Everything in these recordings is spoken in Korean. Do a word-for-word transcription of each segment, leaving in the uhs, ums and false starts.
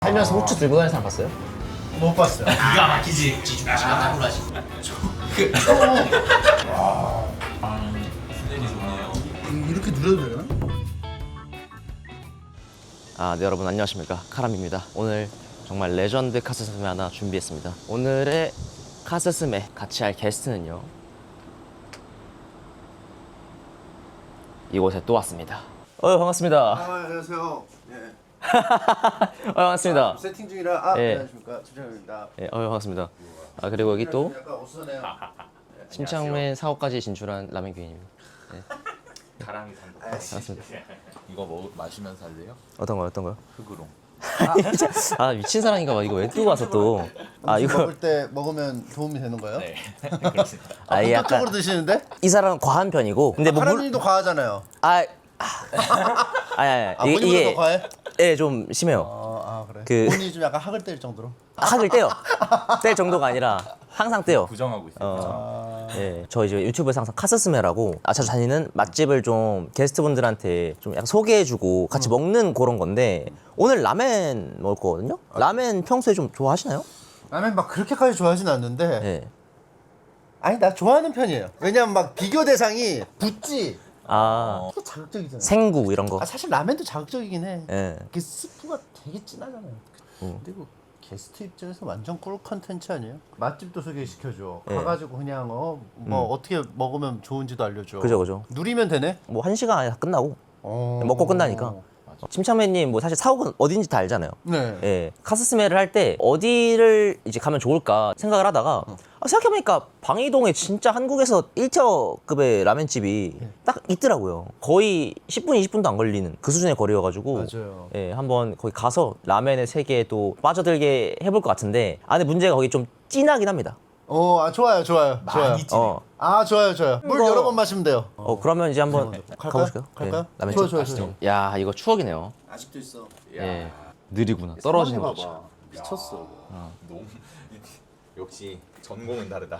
살면서 후추 들고 다니는 사람 봤어요? 못 봤어요. 기가 막히지. 지주가 나구라지. 그. 와. 수준이 좋네요. 이렇게 누려도 되나? 아, 네, 여러분 안녕하십니까, 카람입니다. 오늘 정말 레전드 카스스메 하나 준비했습니다. 오늘의 카스스메 같이 할 게스트는요, 이곳에 또 왔습니다. 어, 반갑습니다. 아, 안녕하세요. 예. 어, 반갑습니다. 아, 세팅 중이라 아, 예. 안녕하십니까. 주장입니다. 예, 어, 반갑습니다. 아, 그리고 여기 또 약간 어수선해요. 침착맨 사업까지 진출한 라멘 귀인입니다. 가랑이 산다. 반갑습니다. 이거 먹 마시면서 할래요? 어떤 거요, 어떤 거요? 흑으로. 아, 미친 사람인가 봐. 이거 왜 뜨고 와서 또. 아, 음식 이거. 먹을 때 먹으면 도움이 되는 거예요? 네. 그렇습니다. 아, 이 약간. 본격적으로 드시는데? 이 사람은 과한 편이고. 근데 뭐. 물... 하람님도 과하잖아요. 아. 아니, 아니, 아, 본인보다 더 과해? 예, 좀 심해요. 어, 아 그래. 그- 본인이 좀 약간 학을 뗄 정도로. 학을 떼요. 뗄 정도가 아니라 항상 떼요. 부정하고 있어요. 어. 예, 저 이제 유튜브에서 항상 카스스메라고 아, 자주 다니는 맛집을 좀 게스트분들한테 좀 약간 소개해주고 같이 먹는 그런 건데 오늘 라멘 먹을 거거든요. 라멘 평소에 좀 좋아하시나요? 라면 막 그렇게까지 좋아하진 않는데. 예. 아니 나 좋아하는 편이에요. 왜냐면 막 비교 대상이 붙지. 아, 또 자극적이잖아. 생구 이런 거. 아 사실 라면도 자극적이긴 해. 예. 그 스프가 되게 진하잖아요. 근데 그 게스트 입장에서 완전 꿀 컨텐츠 아니에요? 맛집도 소개시켜줘. 예. 가가지고 그냥 어 뭐 어떻게 먹으면 좋은지도 알려줘. 그죠, 그죠. 누리면 되네. 뭐 한 시간 안에 다 끝나고 어... 먹고 끝나니까. 침착맨님 뭐 사실 사옥은 어딘지 다 알잖아요. 네. 예, 카스스메를 할 때 어디를 이제 가면 좋을까 생각을 하다가 아, 생각해보니까 방이동에 진짜 한국에서 일 티어급의 라멘집이 딱 있더라고요. 거의 십 분, 이십 분도 안 걸리는 그 수준의 거리여가지고 맞아요. 예, 한번 거기 가서 라멘의 세계에 또 빠져들게 해볼 것 같은데 아, 근데 문제가 거기 좀 진하긴 합니다. 어, 아, 좋아요, 좋아요, 좋아요. 많이 찐해. 어, 아, 좋아요, 좋아요. 물 이거- 여러 번 마시면 돼요. 어 그러면 이제 한번 갈까요? 가보실까요? 갈까요? 예, 라멘 좋아요, 집 좋아요, 가시죠. 좋아요. 야, 이거 추억이네요. 아직도 있어. 예, 느리구나. 떨어지는 거 봐봐. 죠 미쳤어. 너무 역시 전공은 다르다.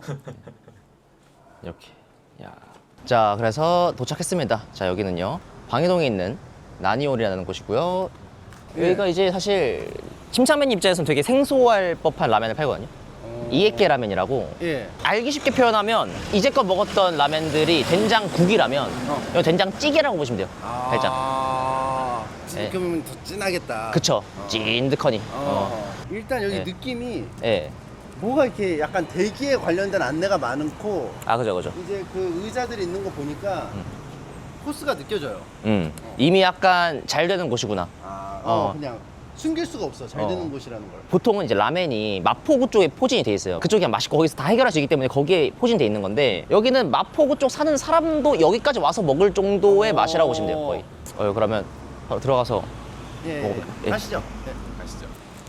이렇게. 야. 자, 그래서 도착했습니다. 자, 여기는요, 방해동에 있는 나니올이라는 곳이고요. 여기가 이제 사실 침착맨 입장에서는 되게 생소할 법한 라면을 팔거든요. 이에케 라면이라고. 예. 알기 쉽게 표현하면 이제껏 먹었던 라면들이 된장국이라면 이거 된장찌개라고 보시면 돼요. 살짝. 아, 예. 이렇게 보면 더 진하겠다. 그쵸. 찐득하니. 어. 어. 일단 여기 예. 느낌이 예. 뭐가 이렇게 약간 대기에 관련된 안내가 많고 아, 그죠, 그죠. 이제 그 의자들이 있는 거 보니까 코스가 느껴져요. 음. 이미 약간 잘 되는 곳이구나. 아, 어. 어, 그냥 숨길 수가 없어. 잘 어. 되는 곳이라는 걸. 보통은 이제 라멘이 마포구 쪽에 포진이 돼 있어요. 그쪽이 그냥 맛있고 거기서 다 해결할 수 있기 때문에 거기에 포진돼 있는 건데 여기는 마포구 쪽 사는 사람도 여기까지 와서 먹을 정도의 어. 맛이라고 보시면 돼요, 거의. 어, 그러면 바로 들어가서 예, 먹어볼게요. 예. 예. 가시죠. 예. 아시죠?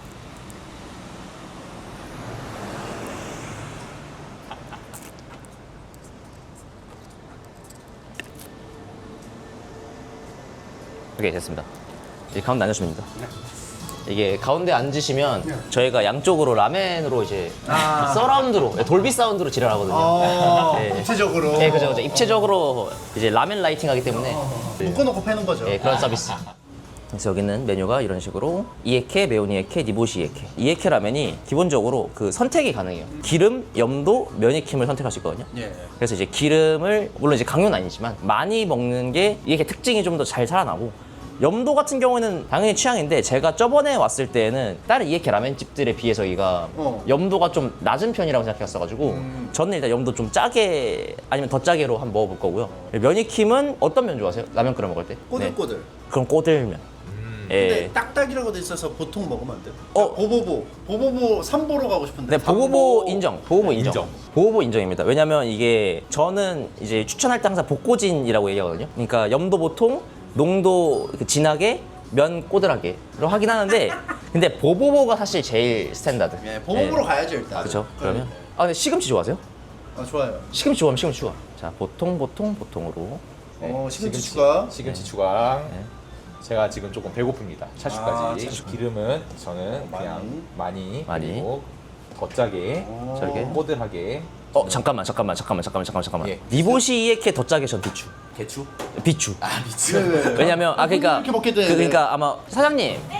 오케이, 됐습니다. 이제 가운데 앉으시면 됩니다. 이게 가운데 앉으시면 저희가 양쪽으로 라멘으로 이제 아. 서라운드로 돌비 사운드로 지랄하거든요. 어, 예. 구체적으로. 네, 그죠, 그죠. 입체적으로 이제 라멘 라이팅 하기 때문에 묶어놓고 패는 거죠. 예, 그런 서비스. 그래서 여기는 메뉴가 이런 식으로 이에케, 매운 이에케, 니보시 이에케. 이에케 라면이 기본적으로 그 선택이 가능해요. 기름, 염도, 면익힘을 선택할 수 있거든요. 예. 그래서 이제 기름을 물론 이제 강요는 아니지만 많이 먹는 게 이게 특징이 좀 더 잘 살아나고 염도 같은 경우에는 당연히 취향인데 제가 저번에 왔을 때는 다른 이에케 라면집들에 비해서 여기가 어. 염도가 좀 낮은 편이라고 생각했어가지고 음. 저는 일단 염도 좀 짜게 아니면 더 짜게로 한번 먹어볼 거고요. 면익힘은 어떤 면 좋아하세요? 라면 끓여 먹을 때? 네. 꼬들꼬들. 그럼 꼬들면. 근데 예. 딱딱이라고 돼 있어서 보통 먹으면 안 돼. 어. 보보보. 보보보 삼보로 가고 싶은데. 네, 보보보 인정. 보보보 인정. 인정. 보보보 인정입니다. 왜냐면 이게 저는 이제 추천할 때 항상 복고진이라고 얘기하거든요. 그러니까 염도 보통, 농도 이렇게 진하게, 면 꼬들하게로 하긴 하는데 근데 보보보가 사실 제일 스탠다드. 예, 보보보로 가야죠 일단. 그렇죠. 그러면 아, 근데 시금치 좋아하세요? 아 좋아요. 시금치 좋아하면 시금치 추가. 자, 보통 보통 보통으로. 어 시금치 추가. 시금치 추가랑 제가 지금 조금 배고픕니다. 차슈까지. 아, 차슈. 기름은 저는 그냥 많이, 많이. 그리고 더 짜게, 어. 저렇게. 꼬들하게. 어, 잠깐만 잠깐만 잠깐만 잠깐만 잠깐만 잠깐만. 예. 니보시 이에케 더 짜게 전 비추. 개추? 비추. 아 미치. 네, 네. 왜냐면 아 그러니까 이렇게 먹게 돼. 그, 그러니까 아마 사장님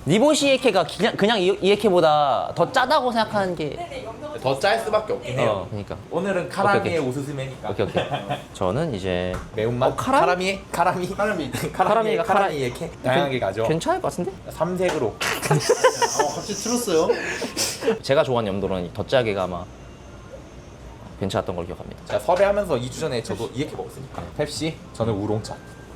니보시 이에케가 그냥 그냥 이- 이에케보다 더 짜다고 생각하는 게. 더 짤 수밖에 없긴 해요. 어, 그러니까. 오늘은 카라미의 오스스메니까. 오케이 오케이. 저는 이제 매운맛. 어, 카라미? 카라미? 카라미? 카라미. 카라미가 카라- 카라미 이렇게 다양하게 가죠. 괜찮을 것 같은데? 삼색으로. 어, 갑자기 틀었어요. 제가 좋아하는 염도는 더 짜게가 아마 괜찮았던 걸 기억합니다. 제가 섭외하면서 이 주 전에 저도 이렇게 먹었으니까. 펩시, 저는 우롱차.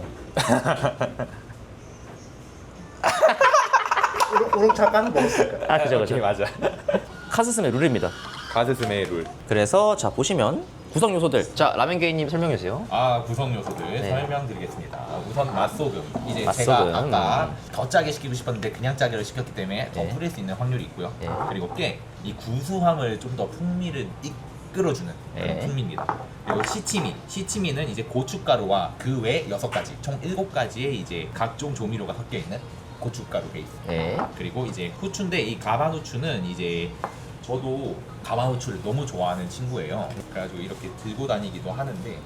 우롱, 우롱차 까는 먹었을까? 아 그죠 그죠. 오케이, 맞아. 카스스메 룰입니다. 가스스메 룰. 그래서 자 보시면 구성 요소들. 자 라멘 게이님 설명해 주세요. 아 구성 요소들 네. 설명드리겠습니다. 우선 맛소금. 이제 맛소금. 제가 아까 더 짜게 시키고 싶었는데 그냥 짜게를 시켰기 때문에 더 네. 뿌릴 수 있는 확률이 있고요. 네. 그리고 꽤 이 구수함을 좀 더 풍미를 이끌어주는 그런 네. 풍미입니다. 그리고 시치미. 시치미는 이제 고춧가루와 그 외 여섯 가지, 총 일곱 가지의 이제 각종 조미료가 섞여 있는 고춧가루 베이스. 네. 그리고 이제 후추인데 이 가만 후추는 이제 저도 가만 후추를 너무 좋아하는 친구예요. 그래가지고 이렇게 들고 다니기도 하는데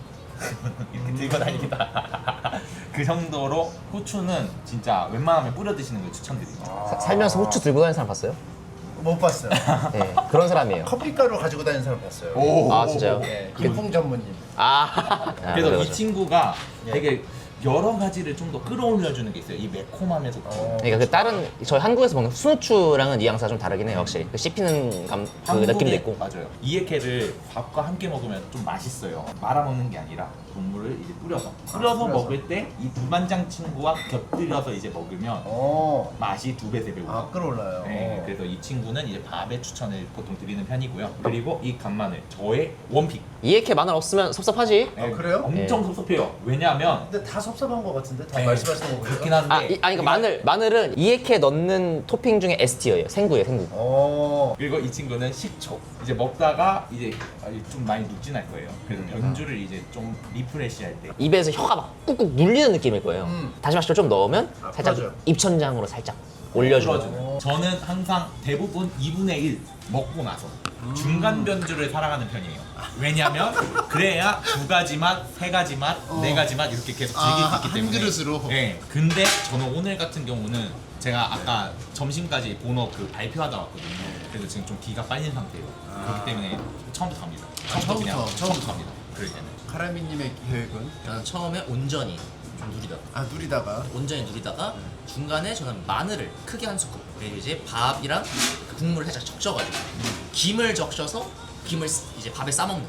이렇게 들고 다니기다. 그 정도로 후추는 진짜 웬만하면 뿌려 드시는 걸 추천드립니다. 사- 살면서 후추 들고 다니는 사람 봤어요? 못 봤어요. 네. 그런 사람이에요. 커피가루 가지고 다니는 사람 봤어요. 오. 아 진짜요? 예, 개풍 전문님. 아. 그래서 아, 이 친구가 예. 되게 여러 가지를 좀 더 끌어올려주는 게 있어요. 이 매콤함에서. 어. 그러니까 그 다른 저희 한국에서 먹는 순후추랑은 뉘앙스가 좀 다르긴 해요 확실히. 그 씹히는 감, 그 한국에- 느낌도 있고. 맞아요. 이에케를 밥과 함께 먹으면 좀 맛있어요. 말아 먹는 게 아니라 국물을 이제 뿌려서 뿌려서 뿌려서. 먹을 때 이 두반장 친구와 곁들여서 이제 먹으면 어. 맛이 두 배 세 배 아 올라. 끌어올라요. 네, 그래서 이 친구는 이제 밥에 추천을 보통 드리는 편이고요. 그리고 이 간마늘 저의 원픽. 이에케 마늘 없으면 섭섭하지? 아, 그래요? 엄청 섭섭해요. 왜냐하면 근데 다 섭섭한 것 같은데 다 네, 말씀하시는 거 보니까. 그렇긴 한데. 아, 이, 아니 그러니까 마늘 마늘은 이에케 넣는 토핑 중에 S티어예요. 생구예요, 생구. 어. 그리고 이 친구는 식초. 이제 먹다가 이제 좀 많이 눅진할 거예요. 그래서 변주를 이제 좀 리프레시할 때. 입에서 혀가 막 꾹꾹 눌리는 느낌일 거예요. 음. 다시마시를 좀 넣으면 아, 살짝 풀어줘요. 입천장으로 살짝 올려주는. 풀어주는. 저는 항상 대부분 이분의 일 먹고 나서 중간 변주를 살아가는 편이에요. 왜냐면 그래야 두 가지 맛, 세 가지 맛, 어. 네 가지 맛 이렇게 계속 즐길 아, 수 있기 한 때문에. 그릇으로? 네. 근데 저는 오늘 같은 경우는 제가 아까 점심까지 본업 그 발표하다 왔거든요. 그래서 지금 좀 기가 빨린 상태예요. 그렇기 때문에 처음부터 갑니다. 아, 처음부터, 그냥 처음부터. 처음부터 갑니다. 그럴 때는. 카라미님의 계획은 저는 처음에 온전히 좀 누리다가 아 누리다가 온전히 누리다가 중간에 저는 마늘을 크게 한 스푼 그리고 이제 밥이랑 그 국물을 살짝 적셔가지고 김을 적셔서 김을 쓰- 이제 밥에 싸먹는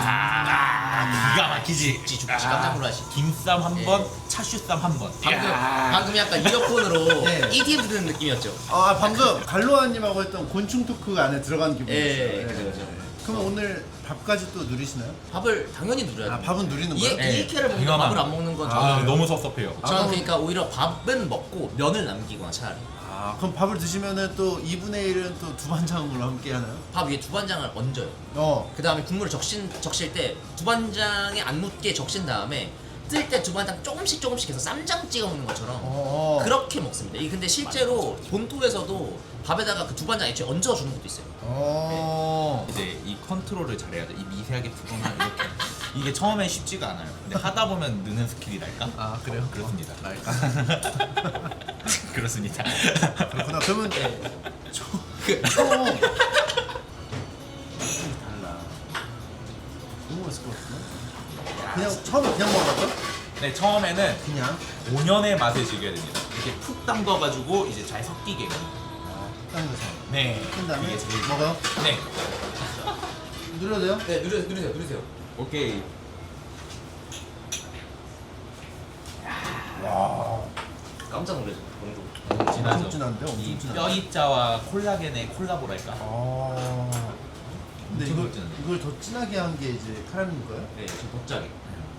야, 기가 막히지. 죽지 죽지 깜짝 놀라시 김쌈 한 예. 번, 차슈쌈 한 번. 방금 야. 방금 약간 이어폰으로 예. 이디엠 듣는 느낌이었죠. 아 방금 갈로아님하고 했던 곤충 토크 안에 들어간 기분이었어요. 예, 그죠, 그죠. 그럼 오늘 밥까지 또 누리시나요? 밥을 당연히 누려야 아 돼요. 밥은 누리는 이에 거예요? 예. 이케를 먹는데 이거만. 밥을 안 먹는 건 아, 저는 너무 섭섭해요. 저는 아, 그러니까 오히려 밥은 먹고 면을 남기거나 차라리 아 그럼 밥을 드시면은 또 이분의 일은 또 두반장으로 함께 하나요? 밥 위에 두반장을 얹어요. 어. 그 다음에 국물을 적신, 적실 때 두반장에 안 묻게 적신 다음에 뜰 때 두반장 조금씩 조금씩 해서 쌈장 찍어 먹는 것처럼 어. 그렇게 먹습니다. 이 근데 실제로 본토에서도 밥에다가 그 두반장 애초에 얹어주는 것도 있어요. 어. 이제 이 컨트롤을 잘해야 돼. 이 미세하게 풀거나 이렇게. 이게 처음엔 쉽지가 않아요. 근데 하다 보면 느는 스킬이랄까? 아 그래요? 그렇습니다. 어, 알겠습니다. 그렇습니다. 그렇구나. 그러면 저 그- 처음 달라. 너무 맛있을 것 같은데? 그냥 처음에 그냥 먹어봤어? 네, 처음에는 그냥. 본연의 맛을 즐겨야 됩니다. 이렇게 푹 담궈가지고 이제 잘 섞이게. 딴 거서. 네. 한 다음에 이게 제일 먹어요? 네. 누려도 돼요? 네, 누르세요, 누르세요, 누르세요. 오케이. 깜짝 놀라죠. 너무 진하죠. 엄청 진한데? 엄청 이 진하네. 뼈입자와 콜라겐의 콜라보랄까? 아. 근데 엄청 이걸, 진한데. 이걸 더 진하게 한 게 이제 카라멜인 거예요? 네, 저 복잡이.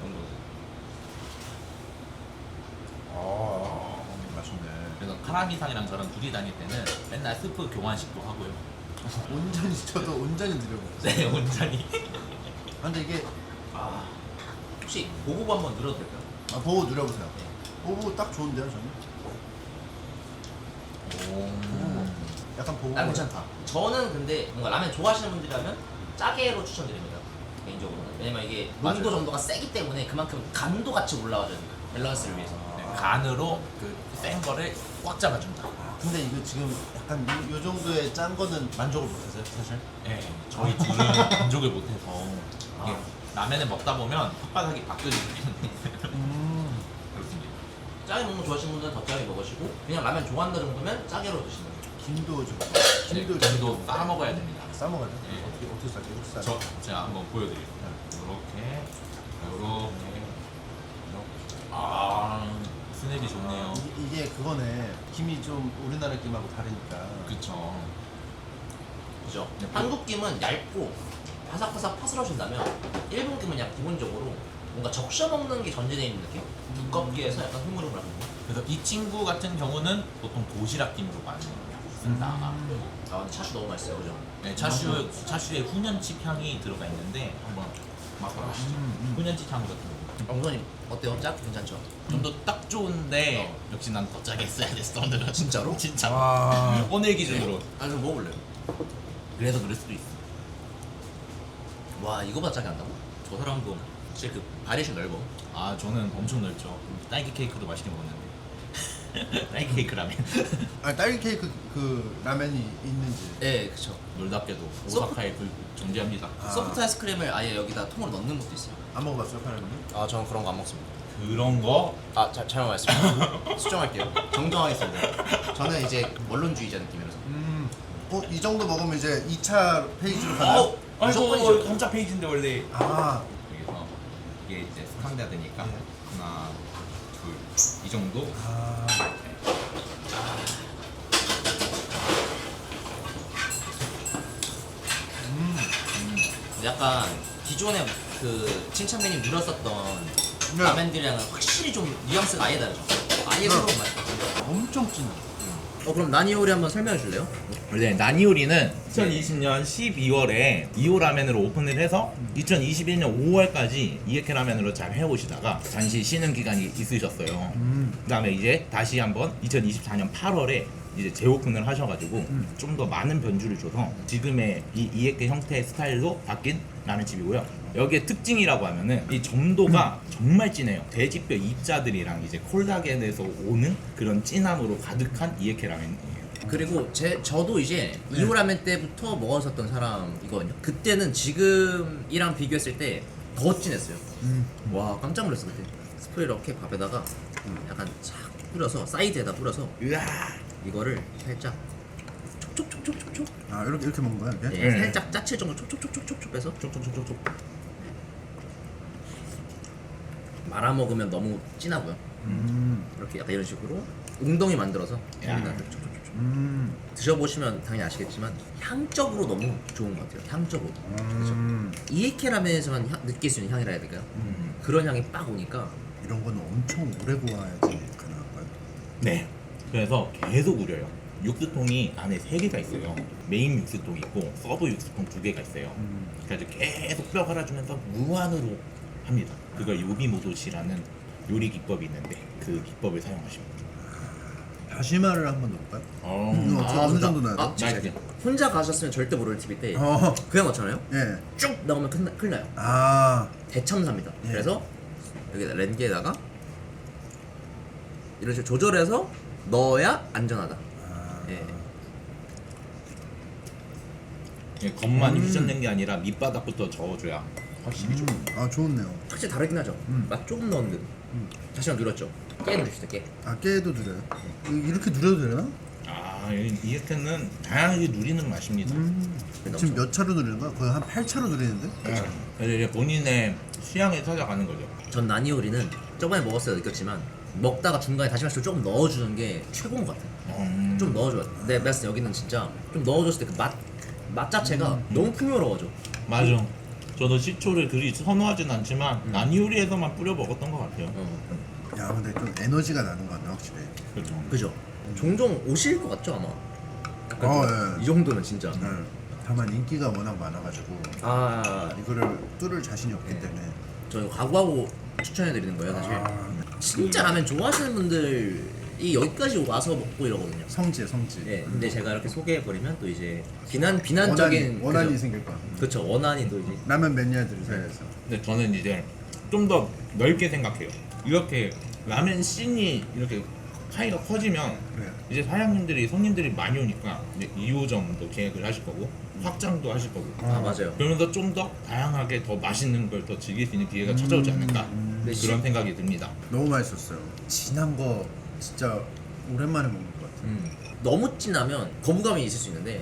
아, 맛있네. 그래서 카라미상이랑 저랑 둘이 다닐 때는 맨날 스프 교환식도 하고요. 온전히 저도 온전히 누려봤어요. 네, 온전히. 아, 근데 이게 아, 혹시 보고 한번 눌러도 될까요? 아, 보고 누려보세요. 보고 딱 좋은데요, 저는? 오. 약간 보고. 난 괜찮다. 저는 근데 뭔가 라면 좋아하시는 분들이라면 짜게로 추천드립니다. 개인적으로는. 왜냐면 이게 농도 맞아요. 정도가 세기 때문에 그만큼 간도 같이 올라가죠. 밸런스를 위해서. 네, 간으로 그 센 거를 꽉 잡아준다. 근데 이거 지금 약간 요, 요 정도의 짠 거는 만족을 못하세요 사실? 네, 저희 둘은 만족을 못해서 이게 라면을 먹다 보면 혓바닥이 바뀌어지기 때문에 음. 그렇습니다. 짜게 먹는 거 좋아하시는 분들은 더 짜게 먹으시고 그냥 라면 좋아한다 정도면 짜게로 드시는 거예요. 김도 좀 김도 김도 김도 싸 먹어야 됩니다. 싸먹어야 돼? 네. 어떻게 어떻게 싸게? 이렇게 싸? 저 제가 한번 보여드릴게요. 이렇게 이렇게 아 스냅이 좋네요. 이, 이게 그거네. 김이 좀 우리나라 김하고 다르니까. 그쵸. 그죠? 네, 한국 김은 얇고 바삭바삭 파스러진다면 일본 김은 그냥 기본적으로 뭔가 적셔 먹는 게 전제되어 있는 느낌? 두껍게 해서 약간 흐물흐물한 거. 그래서 이 친구 같은 경우는 보통 도시락 김으로 많이 쓴다. 아 근데 차슈 너무 맛있어요, 그죠? 네, 차슈 차슈에 훈연칩 향이 들어가 있는데 한번 맛보시죠. 음, 훈연칩 향 같은 거. 엉선님 어때요? 짝? 괜찮죠? 좀 더 딱 좋은데 역시 난 더 짜게 써야 됐어 오늘은. 진짜로? 진짜. 와. 오늘 기준으로. 아 좀 먹어볼래요? 그래서 그럴 수도 있어. 와 이거보다 짜게 한다고? 저 사람도 진짜 그 바리에이션 넓어. 아 저는 엄청 넓죠. 딸기 케이크도 맛있게 먹었는데. 딸기 케이크 라면. 아 딸기 케이크 그 라면이 있는지. 네 그쵸. 놀랍게도 소프- 오사카에 그 존재합니다. 아. 소프트 아이스크림을 아예 여기다 통으로 넣는 것도 있어요. 안 먹어봤어요, 파라님? 아 저는 그런 거 안 먹습니다. 그런 거 아 자, 잘못 말했습니다. 수정할게요. 정정하겠습니다. 저는 이제 원론주의자 느낌이라서. 음. 어, 이 정도 먹으면 이제 이 차 페이지로 가나요? 어, 무조건이죠. 아이고 삼 차 페이지인데 원래 아. 여기서 이게 이제 스탕되니까 하나 둘 이 정도. 아. 약간 기존에 그 칭찬 메뉴 누렸었던 네. 라면들이랑은 확실히 좀 뉘앙스가 아예 다르죠. 아예 새로운 맛. 엄청 진해. 어 그럼 나니오리 한번 설명해 줄래요? 원래 나니오리는 이천이십 년 십이월에 이오 라멘으로 오픈을 해서 이천이십일 년 오월까지 이에케 라멘으로 잘 해오시다가 잠시 쉬는 기간이 있으셨어요. 음. 그다음에 이제 다시 한번 이천이십사 년 팔월에 이제 재오픈을 하셔가지고 좀 더 많은 변주를 줘서 지금의 이 이에케 형태의 스타일로 바뀐 라멘집이고요. 여기에 특징이라고 하면은 이 점도가 정말 진해요. 돼지뼈 입자들이랑 이제 콜라겐에서 오는 그런 진함으로 가득한 이에케 라멘이에요. 그리고 제 저도 이제 이오 라멘 때부터 먹었었던 사람이거든요. 그때는 지금이랑 비교했을 때 더 진했어요. 음. 와 깜짝 놀랐어 그때. 스프 이렇게 밥에다가 약간 싹 뿌려서 사이드에다 뿌려서 으아. 이거를 살짝 촉촉촉촉촉촉 아, 이렇게 이렇게 먹는 거야, 이렇게? 네, 네. 살짝 짜칠 정도 촉촉촉촉촉 빼서 촉촉촉촉촉 말아 먹으면 너무 진하고요. 음. 이렇게 약간 이런 식으로 웅덩이 만들어서 야. 여기다 촉촉촉촉 음. 드셔보시면 당연히 아시겠지만 향적으로 너무 좋은 것 같아요. 향적으로 음. 이에케 라면에서만 향- 느낄 수 있는 향이라 해야 될까요? 음. 그런 향이 빡 오니까 이런 거는 엄청 오래 구워야지 가능한 거야. 네. 그래서 계속 우려요. 육수통이 안에 세 개가 있어요. 메인 육수통 있고 서브 육수통 두 개가 있어요. 음. 그래서 계속 뼈 갈아주면서 무한으로 합니다. 그걸 요비모도시라는 요리 기법이 있는데 그 기법을 사용하십니다. 다시마를 한번 넣을까요? 어. 이거 저 어느 진짜? 정도 넣어야 돼? 아, 진짜. 맛있게. 혼자 가셨으면 절대 모를 팁인데 어. 그냥 넣잖아요? 예. 쭉 넣으면 큰일, 나- 큰일 나요. 아. 대참사입니다. 예. 그래서 여기다 렌게에다가 이런 식으로 조절해서 넣어야 안전하다. 아. 예. 예, 겉만 음. 휘젓는 게 아니라 밑바닥부터 저어줘야 확실히 좋아요. 음. 아, 좋네요. 확실히 다르긴 하죠. 음. 맛 조금 넣었는데 다시 한번 누렸죠. 깨 누릅시다 깨. 아, 깨도 누려요. 이- 이렇게 누려도 되나? 아, 이 이에케는 다양하게 누리는 맛입니다. 음. 지금 몇 차로 누리는 거야? 거의 한 팔 차로 누리는데? 그래서 이제 본인의 취향에 찾아가는 거죠. 전 나니오리는 저번에 먹었을 때 느꼈지만 먹다가 중간에 다시마 씨를 조금 넣어주는 게 최고인 것 같아요. 음. 좀 넣어줘야 돼. 내 말씀 여기는 진짜 좀 넣어줬을 때 그 맛 맛 자체가 너무 풍요로워져. 맞아. 저도 식초를 그리 선호하진 않지만 음. 나니요리에서만 뿌려 먹었던 것 같아요. 어. 야, 근데 좀 에너지가 나는 거 같네, 확실히. 그렇죠. 그죠? 종종 오실 것 같죠 아마. 약간 어, 좀 예. 이 정도면 진짜. 네. 다만 인기가 워낙 많아가지고 아, 이거를 뚫을 자신이 없기 네. 때문에. 저희 각오하고 추천해드리는 거예요 사실. 아, 진짜 라면 좋아하시는 분들이 여기까지 와서 먹고 이러거든요. 성지, 성지. 네, 근데 제가 이렇게 소개해버리면 또 이제 비난 비난적인 원한이, 원한이 그죠? 생길 거야. 그쵸 원한이 또 이제 라면 매니아들 사이에서. 근데 저는 이제 좀 더 넓게 생각해요. 이렇게 라멘 씬이 이렇게 파이가 커지면 네. 이제 사장님들이 손님들이 많이 오니까 이제 이 호점도 계획을 하실 거고 확장도 하실 거고 아 맞아요. 그러면서 좀 더 다양하게 더 맛있는 걸 더 즐길 수 있는 기회가 찾아오지 않을까 네, 그런 생각이 듭니다. 너무 맛있었어요. 진한 거 진짜 오랜만에 먹는 것 같아요. 음. 너무 진하면 거부감이 있을 수 있는데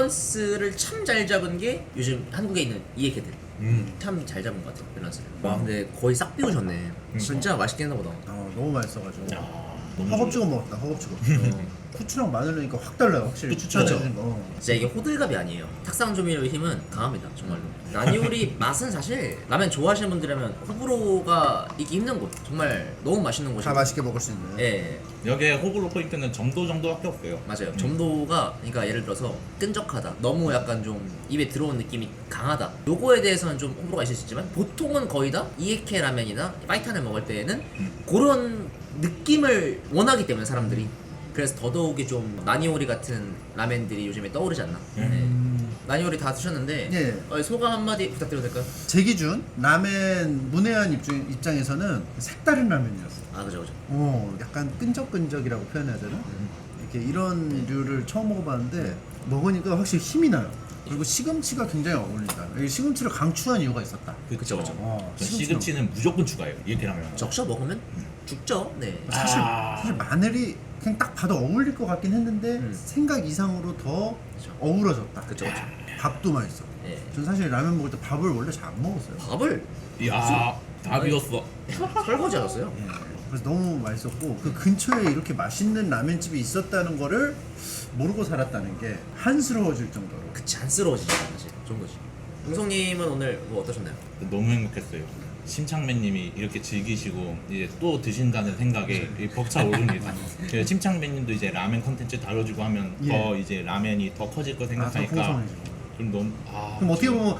밸런스를 참 잘 잡은 게 요즘 한국에 있는 이에케들 음. 참 잘 잡은 것 같아요 밸런스를. 와 근데 거의 싹 비우셨네. 진짜 맛있게 했나 보다. 어, 너무 맛있어가지고 야, 너무 허겁지겁 먹었다. 허겁지겁. 어. 후추랑 마늘 넣으니까 확 달라요. 확실히 그쵸. 추천해주는 거. 진짜 이게 호들갑이 아니에요. 탁상 조미료의 힘은 강합니다 정말로. 라니오리 맛은 사실 라면 좋아하시는 분들이라면 호불호가 있기 힘든 곳. 정말 너무 맛있는 곳이고. 다 맛있게 먹을 수 있는. 예 여기에 호불호 포인트는 점도 정도밖에 없어요. 맞아요. 점도가 그러니까 예를 들어서 끈적하다. 너무 약간 좀 입에 들어온 느낌이 강하다. 요거에 대해서는 좀 호불호가 있을 수 있지만 보통은 거의 다 이에케 라면이나 파이탄을 먹을 때에는 음. 그런 느낌을 원하기 때문에 사람들이. 그래서 더더욱이 좀 나니오리 같은 라멘들이 요즘에 떠오르지 않나. 음. 네. 나니오리 다 드셨는데 예. 어, 소감 한마디 부탁드려도 될까요? 제 기준 라멘 문외한 입장, 입장에서는 색다른 라면이었어요. 아 그죠 그죠. 어, 약간 끈적끈적이라고 표현해야 되나? 이렇게 이런 류를 처음 먹어봤는데 먹으니까 확실히 힘이 나요. 그리고 시금치가 굉장히 어울린다. 이 시금치를 강추한 이유가 있었다. 그쵸 그쵸. 어, 전 시금치 시금치는 무조건 추가해요. 이렇게 하면. 적셔 먹으면 죽죠. 네. 사실 아. 사실 마늘이 그냥 딱 봐도 어울릴 것 같긴 했는데 음. 생각 이상으로 더 그쵸. 어우러졌다. 그쵸 그쵸. 밥도 맛있어. 네. 전 사실 라면 먹을 때 밥을 원래 잘 안 먹었어요. 밥을 이야, 다 비웠어. 설거지 하셨어요? 예. 그래서 너무 맛있었고 그 근처에 이렇게 맛있는 라면집이 있었다는 거를 모르고 살았다는 게 한스러워질 정도로. 그치 안쓰러워지죠 사실 좀 거지. 웅성님은 오늘 뭐 어떠셨나요? 너무 행복했어요. 심창맨님이 이렇게 즐기시고 이제 또 드신다는 생각에 이 벅차 오릅니다. 그 심창맨님도 이제 라멘 컨텐츠 다뤄주고 하면 예. 더 이제 라멘이 더 커질 거 아, 더 생각하니까 풍성해지고. 좀 너무 아 그럼 어떻게 보면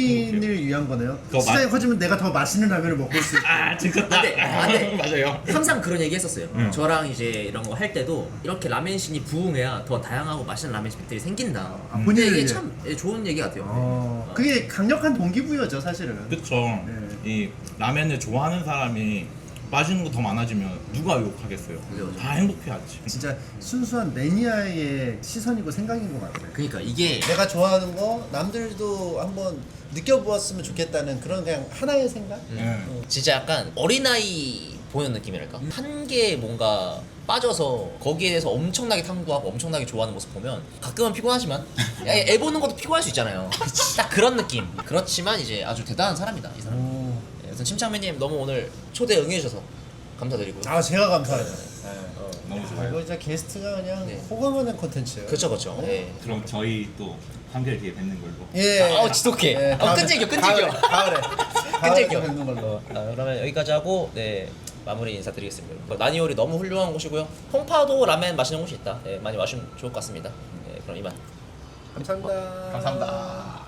본인을 위한 거네요. 그거 시장이 맛- 커지면 내가 더 맛있는 라면을 먹을 수 있고. 아 지켰다. 안 돼, 안 돼. 맞아요. 항상 그런 얘기 했었어요. 음. 저랑 이제 이런 거 할 때도 이렇게 라멘신이 부흥해야 더 다양하고 맛있는 라멘집들이 생긴다. 아, 근데 본인을 이게 위해. 참 예, 좋은 얘기 같아요. 어, 그게 강력한 동기부여죠 사실은. 그쵸. 네. 이 라멘을 좋아하는 사람이 맛있는 거 더 많아지면 누가 욕하겠어요. 그죠, 그죠. 다 행복해하지. 진짜 순수한 매니아의 시선이고 생각인 것 같아요. 그러니까 이게 내가 좋아하는 거 남들도 한번 느껴보았으면 좋겠다는 그런 그냥 하나의 생각? 네. 진짜 약간 어린아이 보는 느낌이랄까? 한 개에 뭔가 빠져서 거기에 대해서 엄청나게 탐구하고 엄청나게 좋아하는 모습 보면 가끔은 피곤하지만 야, 애 보는 것도 피곤할 수 있잖아요. 딱 그런 느낌. 그렇지만 이제 아주 대단한 사람이다 이 사람. 오. 네, 여튼 침착맨님 너무 오늘 초대 응해주셔서 감사드리고요. 아 제가 감사해요. 어, 너무 이거 좋아요. 진짜 게스트가 그냥 네. 호감하는 콘텐츠예요. 그쵸 그쵸. 네. 그럼 저희 또 한결 뒤에 뵙는 걸로. 예. 어, 지독해. 어, 다음에- 끈질겨, 끈질겨. 가을에. 가을에. 가을에 끈질겨. 뵙는 걸로. 아, 그러면 여기까지 하고 네 마무리 인사드리겠습니다. 나니오리 너무 훌륭한 곳이고요. 홍파도 라멘 맛있는 곳이 있다. 네, 많이 마시면 좋을 것 같습니다. 네, 그럼 이만. 감사합니다. 감사합니다.